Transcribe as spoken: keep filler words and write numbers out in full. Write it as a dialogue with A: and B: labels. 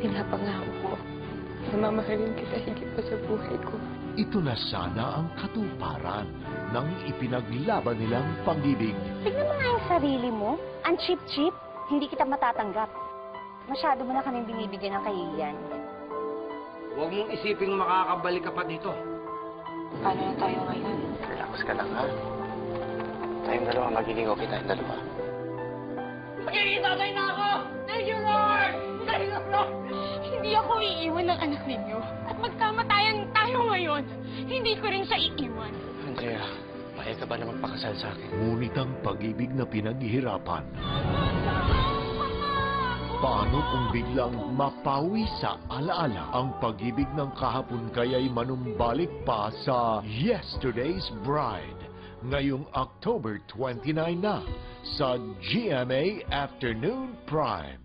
A: Pinapangako ko na mamahalin kita higit pa sa buhay ko.
B: Ito na sana ang katuparan ng ipinaglaban nilang pag-ibig.
C: Tignan mo nga yung sarili mo. Ang cheap-cheap, hindi kita matatanggap. Masyado mo na kaming binibigyan ng kahihiyan.
D: Huwag mong isiping makakabalik ka pa dito.
A: Paano na tayo ngayon?
E: Relax ka lang, ha? Tayong dalawa, magiging okay tayong dalawa.
D: Magiging tatay na ako! Thank you, Lord! Thank you, Lord!
A: Hindi ako iiwan ng anak ninyo. At magkamatayan tayo ngayon. Hindi ko rin siya iiwan.
E: Andrea, mahal ka ba na magpakasal sa akin?
B: Ngunit ang pag-ibig na pinaghihirapan, paano kung biglang mapawi sa alaala ang pag-ibig ng kahapon kaya'y manumbalik pa sa Yesterday's Bride ngayong October twenty-nine na sa G M A Afternoon Prime.